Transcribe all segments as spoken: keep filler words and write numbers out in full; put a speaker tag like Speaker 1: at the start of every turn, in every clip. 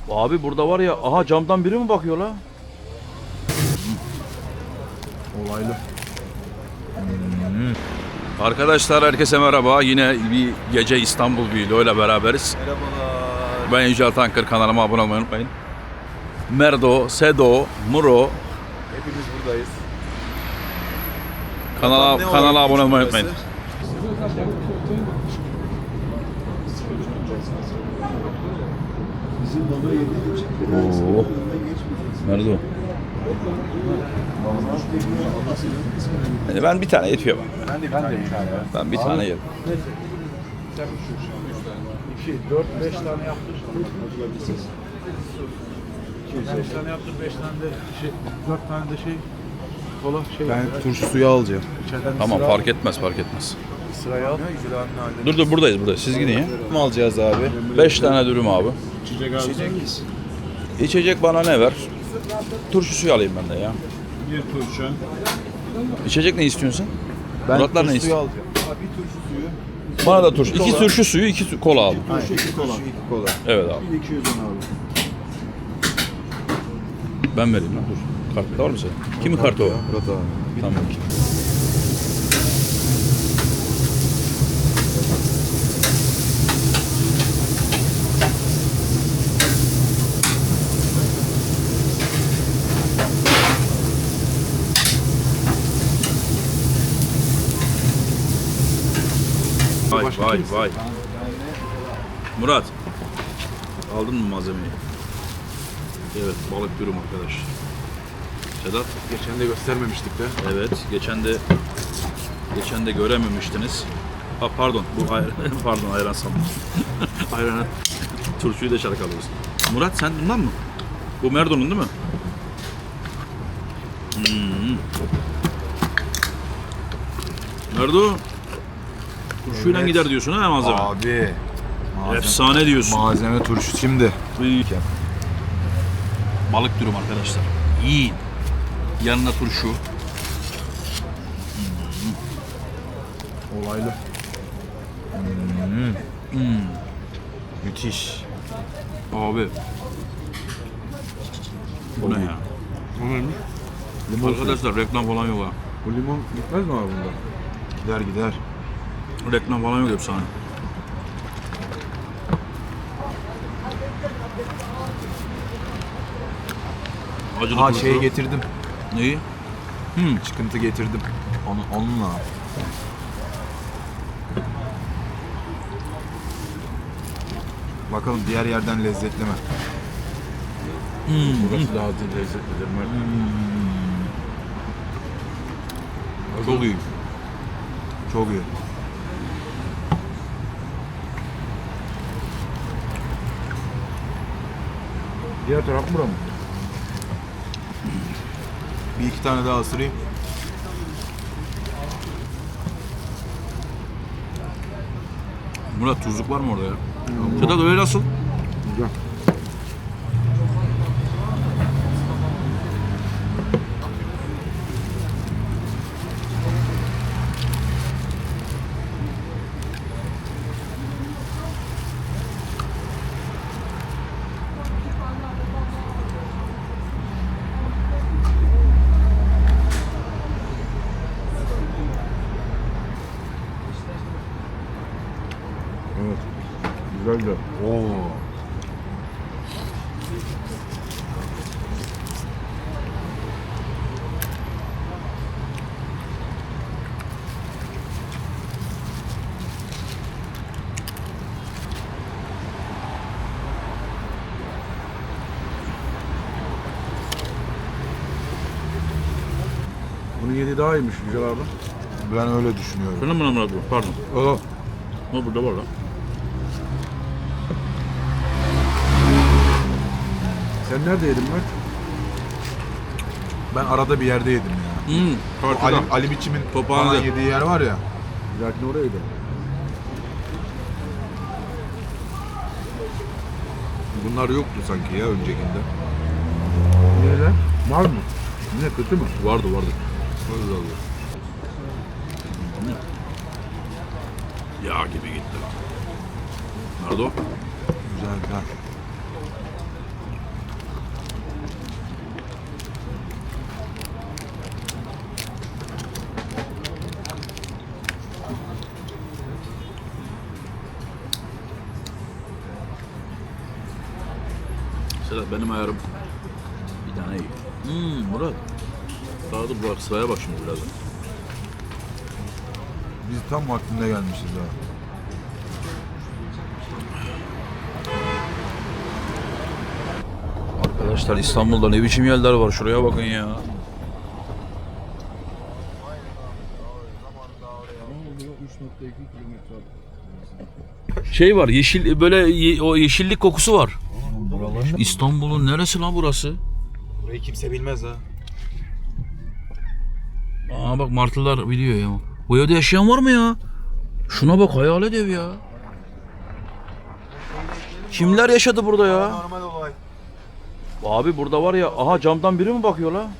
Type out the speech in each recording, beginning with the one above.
Speaker 1: Abi burada var ya, aha camdan biri mi bakıyor la?
Speaker 2: Olaylı.
Speaker 1: Hmm. Arkadaşlar herkese merhaba. Yine bir gece İstanbul Vlog ile beraberiz.
Speaker 2: Merhabalar.
Speaker 1: Ben Yücel Tankır, kanalıma abone olmayı unutmayın. Merdo, Sedo, Muro.
Speaker 2: Hepimiz buradayız.
Speaker 1: Kanala,
Speaker 2: Ne
Speaker 1: kanala
Speaker 2: olarak
Speaker 1: abone olmayı
Speaker 2: burası?
Speaker 1: unutmayın. Oo. Merdo. Yani ben bir tane yetiyor bana.
Speaker 2: Ben de bir tane yedim.
Speaker 1: Ben bir tane yerim.
Speaker 3: iki, dört, beş tane yaptır. beş tane yaptır, beş tane de şey, dört tane de şey, kola şey.
Speaker 2: Ben turşu suyu alacağım.
Speaker 3: içeriden
Speaker 1: Tamam,
Speaker 3: sıra,
Speaker 1: fark etmez, fark etmez.
Speaker 3: sıraya al.
Speaker 1: Dur dur, buradayız burada. Siz gidin ya.
Speaker 2: Ne alacağız abi?
Speaker 1: Beş tane dürüm abi.
Speaker 2: İçecek.
Speaker 1: İçecek bana ne ver? Turşu suyu alayım ben de ya.
Speaker 3: Bir turşu.
Speaker 1: İçecek ne istiyorsun sen?
Speaker 2: Ben
Speaker 1: Muratlar ne
Speaker 2: turşu suyu
Speaker 1: istiyor?
Speaker 2: alacağım. Abi bir turşu suyu.
Speaker 1: Bana da turşu. İki turşu suyu, iki su- kola al.
Speaker 2: Aynen. İki kola. İki kola.
Speaker 1: Evet abi.
Speaker 2: iki yüz on abi.
Speaker 1: Ben vereyim lan, dur. Kartta var mı senin? Kimin kartı o?
Speaker 2: Murat abi.
Speaker 1: Tamam. Vay vay vay. Murat. Aldın mı malzemeyi? Evet, balık dürüm arkadaş. Sedat.
Speaker 2: Geçen de göstermemiştik de.
Speaker 1: Evet, geçen de geçen de görememiştiniz. Ha pardon, bu ayran, pardon ayran sandım. Ayran, turşuyu da çalkalıyoruz. Murat sen bundan mı? Bu Merdo'nun değil mi? Hmm. Merdo, turşuyla
Speaker 2: Evet.
Speaker 1: gider diyorsun ha malzeme?
Speaker 2: Abi. Malzeme,
Speaker 1: Efsane diyorsun.
Speaker 2: malzeme turşu şimdi.
Speaker 1: Uy. Balık dürüm arkadaşlar. Yiyin. Yanına turşu.
Speaker 2: Olaylı.
Speaker 1: Hmm.
Speaker 2: Müthiş.
Speaker 1: Abi. Bu ne ya?
Speaker 2: Limon
Speaker 1: Arkadaşlar reklam falan yok ha.
Speaker 2: Bu limon gitmez mi abi bunda? Gider gider.
Speaker 1: Reklam falan yok efsane. Acılı
Speaker 2: Ha
Speaker 1: turşu.
Speaker 2: şeyi getirdim.
Speaker 1: Neyi? Hmm.
Speaker 2: Çıkıntı getirdim. Onu, onunla. Bakalım diğer yerden lezzetli mi?
Speaker 1: Hmm.
Speaker 3: Burası daha lezzetlidir.
Speaker 1: Çok iyi.
Speaker 2: Çok iyi.
Speaker 3: Diğer taraf bura mı?
Speaker 2: Bir iki tane daha ısırayım.
Speaker 1: Murat tuzluk var mı orada ya? Sedat öyle nasıl?
Speaker 3: Güzel. Evet. Güzel güzel.
Speaker 2: Oo.
Speaker 3: Bunun yedi daha iyiymiş Yücel abi.
Speaker 2: Ben öyle düşünüyorum.
Speaker 1: Şuna mı Murat bu? Pardon.
Speaker 2: Aa,
Speaker 1: Ama burada var lan.
Speaker 3: Sen nerede yedin Mert?
Speaker 2: ben arada bir yerde yedim ya.
Speaker 1: Hmm.
Speaker 2: O Ali,
Speaker 1: Kartıda.
Speaker 2: Ali Biçim'in
Speaker 1: Tophane'de.
Speaker 2: falan yediği yer var ya.
Speaker 3: Bir dahakine oraya gidelim.
Speaker 2: Bunlar yoktu sanki ya öncekinde.
Speaker 3: Niye lan? Var mı? Ne kötü mü?
Speaker 1: Vardı vardı.
Speaker 2: Öyle oluyor.
Speaker 1: Yağ gibi gitti. Nerede o?
Speaker 2: Güzel güzel.
Speaker 1: Sedat benim ayarım bir tane iyi. Hmm, Murat. Daha da bak sıraya bak şimdi birazdan.
Speaker 2: Biz tam vaktinde gelmişiz ha.
Speaker 1: Arkadaşlar İstanbul'da ne biçim yerler var, şuraya bakın ya. Şey var, yeşil böyle ye- o yeşillik kokusu var. İstanbul'un neresi lan burası?
Speaker 3: Burayı kimse bilmez ha.
Speaker 1: Aa bak martılar biliyor ya. Bu evde yaşayan var mı ya? Şuna bak, hayalet ev ya. Kimler yaşadı burada ya?
Speaker 3: Normal olay.
Speaker 1: Abi burada var ya, aha camdan biri mi bakıyor la?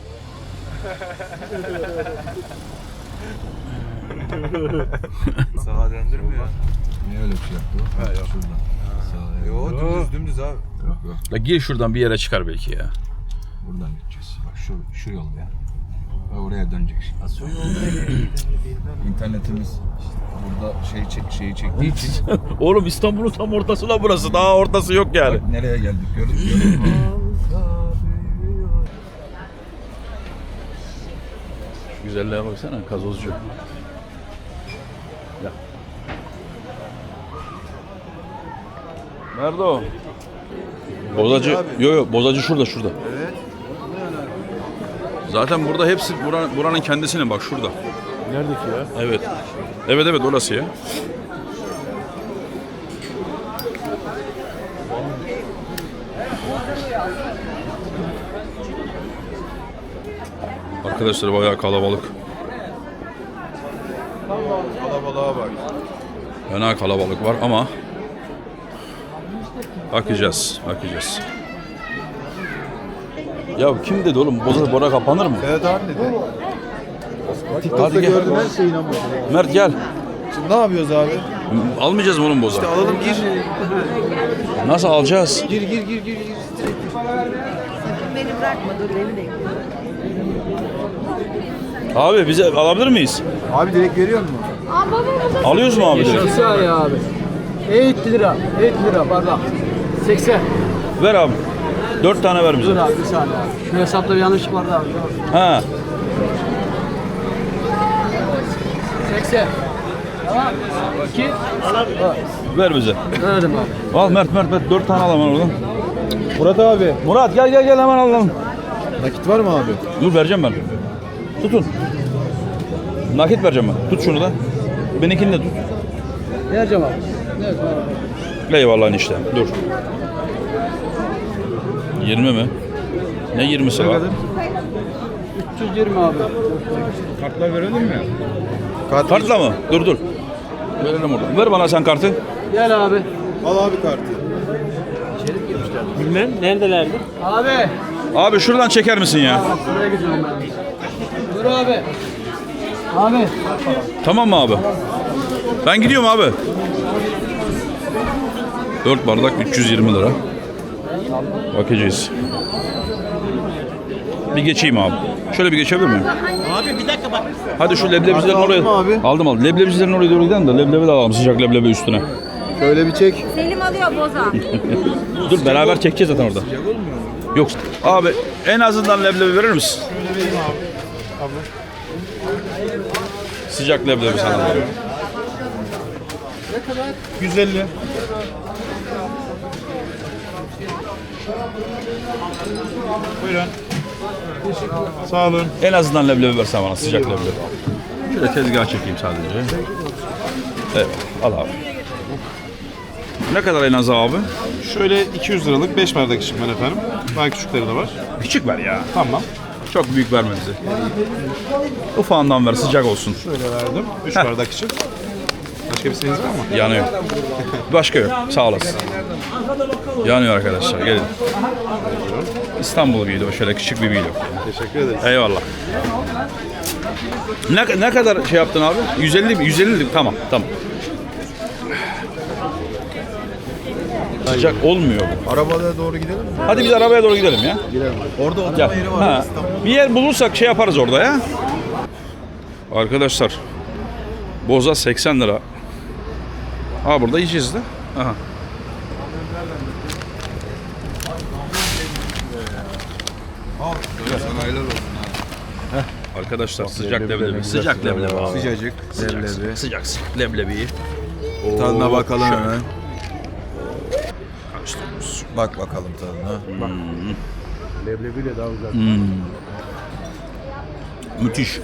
Speaker 3: Sağa döndürmüyor.
Speaker 2: Niye öyle bir şey yaptı o? Ha, yok. Şuradan. Sağ,
Speaker 3: Yo dümdüz dümdüz abi.
Speaker 2: Yok yok.
Speaker 1: La gir şuradan bir yere çıkar belki ya.
Speaker 2: Buradan gideceğiz. Bak şu, şu yol ya. Ve oraya dönecek şimdi. İnternetimiz burada şey çek, şeyi çektiği için
Speaker 1: Oğlum İstanbul'un tam ortası la burası. Daha ortası yok yani.
Speaker 2: bak nereye geldik gördün mü?
Speaker 1: Güzelliğe baksana, gazozcu. Ya. Nerede o? Bozacı. Yok yok, bozacı şurada şurada.
Speaker 3: Evet.
Speaker 1: Zaten burada hepsi buranın, buranın kendisine bak şurada.
Speaker 3: Neredeki ya?
Speaker 1: Evet. Evet evet orası ya. Arkadaşlar bayağı kalabalık.
Speaker 3: Kalabalığa bak.
Speaker 1: Fena kalabalık var ama bakacağız, bakacağız. Ya kim dedi oğlum, Boza Bora kapanır mı?
Speaker 3: Evet abi dedi.
Speaker 1: Hadi
Speaker 3: TikTok'ta
Speaker 1: gel.
Speaker 3: gördüm her şeyi inanmadım.
Speaker 1: Mert gel.
Speaker 3: Şimdi ne yapıyoruz abi?
Speaker 1: Almayacağız mı oğlum Boza?
Speaker 3: İşte alalım gir.
Speaker 1: Nasıl alacağız?
Speaker 3: Gir gir gir gir. gir.
Speaker 4: Beni bırakma, dur beni bekle.
Speaker 1: Abi bize alabilir miyiz?
Speaker 3: Abi direkt veriyor mu?
Speaker 1: Alıyoruz mu abi direkt?
Speaker 5: Bir saniye abi. elli lira. elli lira bardak. seksen.
Speaker 1: Ver abi. Dört tane ver bize.
Speaker 5: Dur abi bir saniye abi. Şu hesapta bir yanlışlık vardı abi.
Speaker 1: Ha.
Speaker 5: seksen. Tamam. iki.
Speaker 1: Ver bize.
Speaker 5: Verdim abi.
Speaker 1: Al Mert Mert Mert dört tane al hemen oradan.
Speaker 3: Murat abi.
Speaker 1: Murat gel gel gel hemen alalım.
Speaker 3: Nakit var mı abi?
Speaker 1: Dur vereceğim ben. Tutun. Nakit vereceğim ben. Tut şunu da. Benimkini de tut.
Speaker 5: Vereceğim abi. Evet abi.
Speaker 1: Eyvallah işte. Dur. yirmi mi? Ne yirmisi var?
Speaker 5: üç yüz yirmi abi.
Speaker 3: Kartlar verelim mi?
Speaker 1: Kartla mı? Dur dur. Verelim oradan. Ver bana sen kartı.
Speaker 5: Gel abi.
Speaker 3: Al abi kartı.
Speaker 5: Bilmem. Neredelerdi? Abi.
Speaker 1: Abi şuradan çeker misin ya?
Speaker 5: Buraya gidiyorum ben. Dur abi. Abi.
Speaker 1: Tamam mı abi? Ben gidiyorum abi. dört bardak üç yüz yirmi lira. Bakacağız. Bir geçeyim abi. Şöyle bir geçebilir miyim?
Speaker 4: Abi bir dakika bak.
Speaker 1: Hadi şu leblebicilerin
Speaker 3: Aldın
Speaker 1: oraya.
Speaker 3: mı abi?
Speaker 1: Aldım aldım. Leblebicilerin oraya doğru gidelim de leblebi de alalım. Sıcak leblebi üstüne.
Speaker 3: Şöyle bir çek.
Speaker 4: Selim alıyor boza.
Speaker 1: Dur beraber çekeceğiz zaten orada. Yok abi en azından leblebi verir misin?
Speaker 3: Şöyle vereyim abi. Abla.
Speaker 1: Sıcak leblebi sana.
Speaker 3: yüz elli. Buyurun. Sağ olun.
Speaker 1: En azından leblebi versen bana sıcak leblebi. Şöyle tezgah çekeyim sadece. Evet al abi. Ne kadar en az abi?
Speaker 6: Şöyle iki yüz liralık beş bardak içim ben efendim. Daha küçükleri de var.
Speaker 1: Küçük ver ya.
Speaker 6: Tamam.
Speaker 1: Çok büyük verme bize. Ufağından ver sıcak olsun.
Speaker 6: Şöyle verdim. üç
Speaker 1: Heh.
Speaker 6: bardak için. Başka bir isteğiniz var mı?
Speaker 1: Yanıyor. Başka yok. Sağ olasın. Yanıyor arkadaşlar. Gelin. İstanbul Biylo. Şöyle küçük bir Biylo.
Speaker 6: Teşekkür ederiz.
Speaker 1: Eyvallah. Ne, ne kadar şey yaptın abi? yüz elli mi? yüz elli mi? Tamam. Tamam. Sıcak olmuyor bu.
Speaker 3: Arabaya doğru gidelim mi?
Speaker 1: Hadi biz arabaya doğru gidelim ya.
Speaker 3: Orada oturma
Speaker 1: Gel.
Speaker 3: yeri var.
Speaker 1: Ha. Bir yer bulursak şey yaparız orada ya. Arkadaşlar. Boza seksen lira. Ha burada yiyeceğiz de. Aha.
Speaker 2: Sana helal olsun abi.
Speaker 1: Arkadaşlar sıcak leblebi. Sıcak leblebi abi.
Speaker 2: Sıcacık. Leblebi.
Speaker 1: Sıcak sıcak leblebiyi.
Speaker 2: Tadına
Speaker 1: Oo,
Speaker 2: bakalım
Speaker 1: şöyle.
Speaker 2: hemen.
Speaker 1: Karıştırıyoruz.
Speaker 2: Bak bakalım tadına.
Speaker 3: Leblebiyle daha güzel.
Speaker 1: Hmm. Müthiş.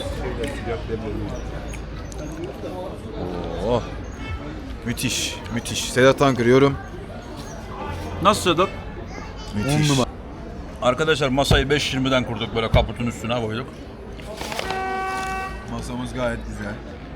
Speaker 2: Oh. Müthiş. Müthiş. Sedat Ankır yorum.
Speaker 1: Nasıl Sedat?
Speaker 2: Müthiş.
Speaker 1: On numara. Arkadaşlar masayı beş yirmiden kurduk, böyle kaputun üstüne koyduk.
Speaker 2: Masamız gayet güzel.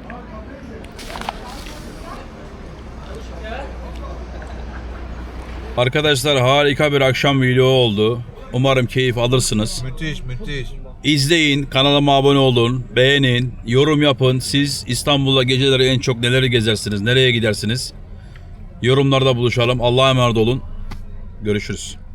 Speaker 1: Arkadaşlar harika bir akşam video oldu. Umarım keyif alırsınız.
Speaker 2: Müthiş, müthiş.
Speaker 1: İzleyin, kanalıma abone olun, beğenin, yorum yapın. Siz İstanbul'da geceleri en çok neleri gezersiniz, nereye gidersiniz? Yorumlarda buluşalım. Allah'a emanet olun. Görüşürüz.